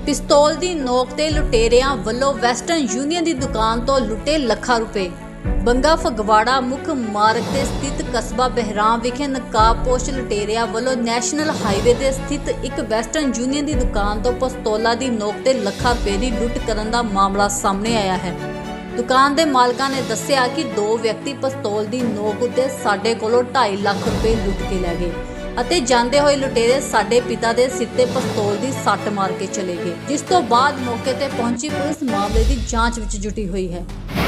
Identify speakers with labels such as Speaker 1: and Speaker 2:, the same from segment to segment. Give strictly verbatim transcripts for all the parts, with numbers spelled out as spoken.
Speaker 1: ਪਿਸਤੌਲ ਦੀ ਨੋਕ ਤੇ ਲੁਟੇਰਿਆਂ ਵੱਲੋਂ ਵੈਸਟਰਨ ਯੂਨੀਅਨ ਦੀ ਦੁਕਾਨ ਤੋਂ ਲੁੱਟੇ ਲੱਖਾਂ ਰੁਪਏ। ਬੰਗਾ ਫਗਵਾੜਾ ਮੁੱਖ ਮਾਰਗ ਤੇ ਸਥਿਤ ਕਸਬਾ ਬਹਿਰਾਮ ਵਿਖੇ ਨਕਾਬਪੋਸ਼ ਲੁਟੇਰਿਆਂ ਵੱਲੋਂ ਨੈਸ਼ਨਲ ਹਾਈਵੇ ਤੇ ਸਥਿਤ ਇੱਕ ਵੈਸਟਰਨ ਯੂਨੀਅਨ ਦੀ ਦੁਕਾਨ ਤੋਂ ਪਿਸਤੌਲਾਂ ਦੀ ਨੋਕ ਤੇ ਲੱਖਾਂ ਰੁਪਏ ਦੀ ਲੁੱਟ ਕਰਨ ਦਾ ਮਾਮਲਾ ਸਾਹਮਣੇ ਆਇਆ ਹੈ। ਦੁਕਾਨ ਦੇ ਮਾਲਕਾਂ ਨੇ ਦੱਸਿਆ ਕਿ ਦੋ ਵਿਅਕਤੀ ਪਿਸਤੌਲ ਦੀ ਨੋਕ ਉੱਤੇ ਸਾਡੇ ਕੋਲੋਂ ਢਾਈ ਲੱਖ ਰੁਪਏ ਲੁੱਟ ਕੇ ਲੈ ਗਏ ਅਤੇ ਜਾਂਦੇ ਹੋਏ ਲੁਟੇਰੇ ਸਾਡੇ ਪਿਤਾ ਦੇ ਸਿਰ ਤੇ ਪਿਸਤੌਲ ਦੀ ਸੱਟ ਮਾਰ ਕੇ ਚਲੇ ਗਏ, ਜਿਸ ਤੋਂ ਬਾਅਦ ਮੌਕੇ ਤੇ ਪਹੁੰਚੀ ਪੁਲਿਸ ਮਾਮਲੇ ਦੀ ਜਾਂਚ ਵਿੱਚ ਜੁਟੀ ਹੋਈ ਹੈ।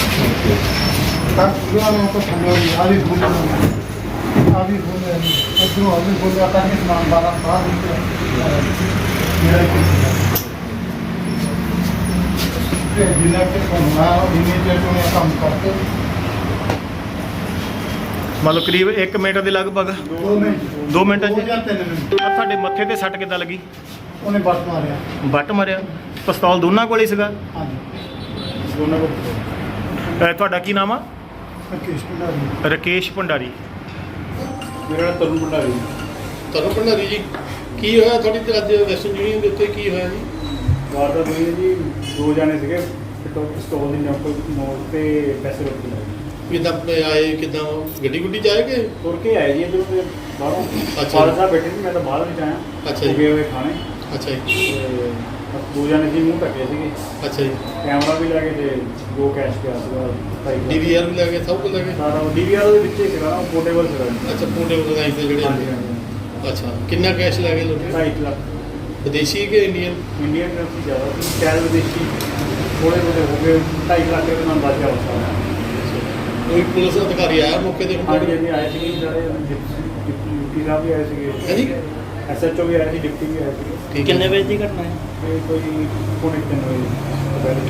Speaker 2: मतलब करीब एक मिनट के लगभग
Speaker 3: दो मिनट
Speaker 2: दो मिनट
Speaker 3: दो ਜਾਂ ਤਿੰਨ ਮਿੰਟ
Speaker 2: ਤੁਹਾਡੇ ਮੱਥੇ ਤੇ ਸੱਟ ਕਿੱਦਾਂ ਲੱਗੀ?
Speaker 3: ਉਹਨੇ ਬੱਟ ਮਾਰਿਆ।
Speaker 2: ਬੱਟ ਮਾਰਿਆ। ਪਿਸਤੌਲ ਦੋਨਾਂ ਕੋਲ ਹੀ ਸੀਗਾ?
Speaker 3: ਹਾਂਜੀ ਦੋਨਾਂ ਕੋਲ।
Speaker 2: ਅਹ ਤੁਹਾਡਾ ਕੀ ਨਾਮ ਆ?
Speaker 3: ਰਕੇਸ਼ ਭੰਡਾਰੀ।
Speaker 2: ਰਕੇਸ਼ ਭੰਡਾਰੀ।
Speaker 3: ਮੇਰਾ ਨਾਮ ਤਰੁਣ ਭੰਡਾਰੀ।
Speaker 4: ਤਰੁਣ ਭੰਡਾਰੀ ਜੀ, ਕੀ ਹੋਇਆ ਤੁਹਾਡੀ ਤੇ ਅੱਜ ਵੈਸਟਰਨ ਯੂਨੀਅਨ ਦੇ ਉੱਤੇ ਕੀ ਹੋਇਆ ਜੀ?
Speaker 3: ਵਾਰਦਾਤ ਹੋਈ ਹੈ ਜੀ, ਦੋ ਜਾਣੇ ਸੀਗੇ ਪਿਸਤੌਲ ਦੀ ਨੋਕ ਨੋਕ ਤੇ ਪੈਸੇ ਰੱਖ ਕੇ
Speaker 4: ਕਿੱਦਾਂ ਆਏ, ਕਿੱਦਾਂ ਗੱਡੀ ਗੁੱਡੀ ਚ ਆਏ ਕਿ
Speaker 3: ਤੁਰ ਕੇ ਆਏ ਜੀ ਇੱਧਰੋਂ ਦੇ ਬਾਹਰੋਂ।
Speaker 4: ਅੱਛਾ।
Speaker 3: ਫਾਦਰ ਸਾਹਿਬ ਬੈਠੇ ਸੀ, ਮੈਂ ਤਾਂ ਬਾਹਰ ਵਿੱਚ ਆਇਆ।
Speaker 4: ਅੱਛਾ ਜੀ।
Speaker 3: ਗਏ ਹੋਏ ਖਾਣੇ
Speaker 4: ਅੱਛਾ ਜੀ।
Speaker 3: ਤੇ ਬਸ ਦੋ ਜਾਣੇ ਸੀ, ਮੂੰਹ ਢੱਕੇ ਸੀਗੇ।
Speaker 4: ਅੱਛਾ ਜੀ।
Speaker 3: ਕੈਮਰਾ ਵੀ ਲੈ ਕੇ ਤੇ ਦੋ ਕੈਸ਼ ਪਿਆ ਸੀਗਾ।
Speaker 4: ਡੀ ਵੀ ਆਰ ਵੀ ਲੈ ਗਏ, ਸਭ ਕੁਝ ਲੈ ਗਏ?
Speaker 3: ਸਾਰਾ ਡੀ ਵੀ ਆਰ ਦੇ ਵਿੱਚ ਹੀ ਸੀਗਾ, ਉਹ ਪੋਰਟੇਬਲ ਸੀਗਾ।
Speaker 4: ਅੱਛਾ, ਪੋਰਟੇਬਲ ਲਗਾਈ ਤੇ ਜਿਹੜੇ
Speaker 3: ਹਾਂਜੀ ਹਾਂਜੀ।
Speaker 4: ਅੱਛਾ, ਕਿੰਨਾ ਕੈਸ਼ ਲੈ ਗਏ ਲੋਕ?
Speaker 3: ਢਾਈ ਲੱਖ
Speaker 4: ਵਿਦੇਸ਼ੀ ਕਿ ਇੰਡੀਅਨ?
Speaker 3: ਇੰਡੀਅਨ ਕਰੰਸੀ ਜ਼ਿਆਦਾ ਸੀ, ਸ਼ਾਇਦ ਵਿਦੇਸ਼ੀ ਥੋੜ੍ਹੇ ਬਹੁਤੇ ਹੋ ਗਏ। ਢਾਈ ਲੱਖ ਰੁਪਏ ਦਾ ਅੰਦਾਜ਼ਾ ਹੋ ਸਕਦਾ।
Speaker 4: ਕੋਈ ਪੁਲਿਸ ਅਧਿਕਾਰੀ ਆਇਆ ਮੌਕੇ ਤੇ?
Speaker 3: ਹਾਂਜੀ ਹਾਂਜੀ ਆਏ ਸੀਗੇ ਸਾਰੇ, ਡਿਪਟੀ ਸਾਹਿਬ ਵੀ ਆਏ ਸੀਗੇ।
Speaker 4: ਹਾਂਜੀ।
Speaker 3: ਐਸ ਐਚ ਓ ਵੀ ਆਏ ਸੀ, ਡਿਪਟੀ ਵੀ ਆਏ ਸੀਗੇ।
Speaker 4: ਠੀਕ ਹੈ।
Speaker 2: ਕਿੰਨੇ ਵਜੇ ਦੀ ਘਟਨਾ ਹੈ?
Speaker 3: ਇਹ ਕੋਈ ਪੌਣੇ ਤਿੰਨ ਵਜੇ।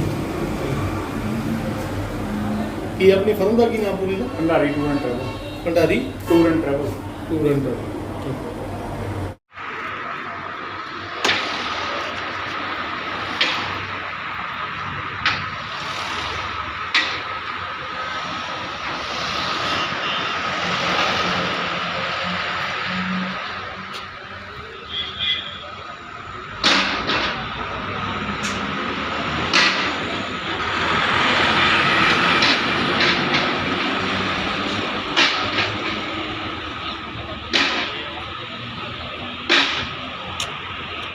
Speaker 4: ਕੀ ਆਪਣੀ ਫਰਮ ਦਾ ਕੀ ਨਾਮ ਪੂਰੀ ਦਾ?
Speaker 3: Bhandari tour and travel.
Speaker 4: Bhandari
Speaker 3: tour and travel.
Speaker 4: Tour and travel.